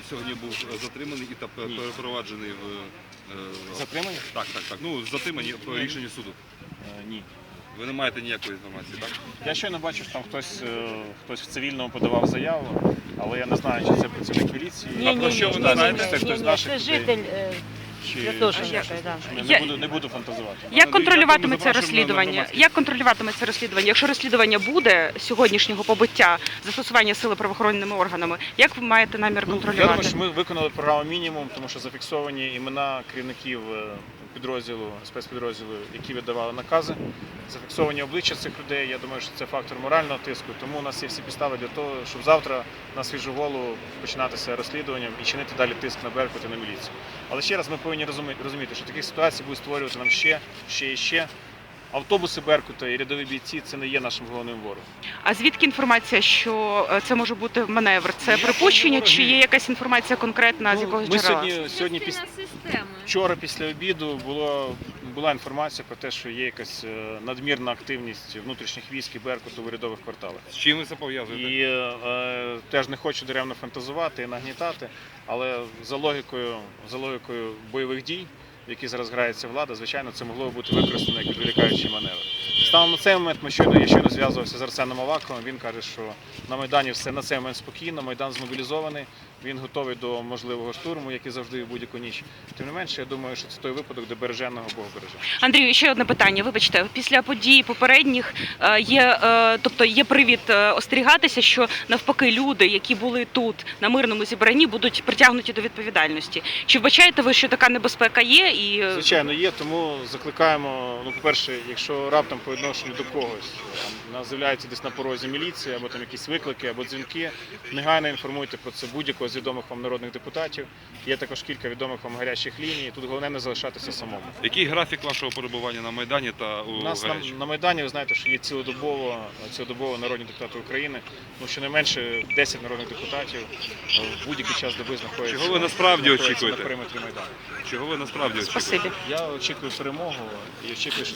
сьогодні був затриманий і перепроваджений в... Затримані? Так. Ну, затримані по рішенню суду. Ні. Ви не маєте ніякої інформації, так? Я щойно бачив, що там хтось в цивільному подавав заяву, але я не знаю, чи це працівник міліції. про що ви не знаєте? Це хтось з наших це людей. житель Чи Святошинської, да. не буду фантазувати. Як контролюватиметься Запрошуємо на розслідування? громадськість. Як контролюватиметься розслідування? Якщо розслідування буде сьогоднішнього побиття, застосування сили правоохоронними органами, як ви маєте намір Я думаю, контролювати? що ми виконали програму мінімум, тому що зафіксовані імена керівників підрозділу, спецпідрозділу, які видавали накази, зафіксовані обличчя цих людей. Я думаю, що це фактор морального тиску, тому у нас є всі підстави для того, щоб завтра на свіжу голову починатися розслідуванням і чинити далі тиск на Беркут і на міліцію. Але ще раз ми повинні розуміти, що таких ситуацій буде створювати нам ще і ще. Автобуси Беркута і рядові бійці – це не є нашим головним ворогом. А звідки інформація, що це може бути маневр? Це припущення чи є якась інформація конкретна з якогось Ми джерела? сьогодні вчора після обіду була інформація про те, що є якась надмірна активність внутрішніх військ і Беркуту в урядових кварталах. З чим ви це пов'язуєте? І теж не хочу даремно фантазувати і нагнітати, але за логікою бойових дій, в які зараз грається влада, звичайно, це могло бути використано як відволікаючий маневр. Станом на цей момент я щойно зв'язувався з Арсеном Аваковим, він каже, що на Майдані все на цей момент спокійно, Майдан змобілізований, він готовий до можливого штурму, як і завжди в будь-яку ніч. Тим не менше, я думаю, що це той випадок, де береженого Бог береже. Андрію, ще одне питання. Вибачте, після подій попередніх є привід остерігатися, що навпаки люди, які були тут на мирному зібранні, будуть притягнуті до відповідальності. Чи вбачаєте ви, що така небезпека є? Звичайно, є, тому закликаємо, по-перше, якщо раптом по відношенню до когось з'являється десь на порозі міліція, або там якісь виклики, або дзвінки, негайно інформуйте про це будь-якого з відомих вам народних депутатів. Є також кілька відомих вам гарячих ліній, тут головне не залишатися самому. Який графік вашого перебування на Майдані та у У нас гарячому? на Майдані, ви знаєте, що є цілодобово народні депутати України, тому що не менше 10 народних депутатів в будь-який час доби знаходяться. Чого ви насправді на очікуєте? периметрі Майдану. Чого ви насправді очікуєте? Спасибі. Я очікую перемогу і очікую, що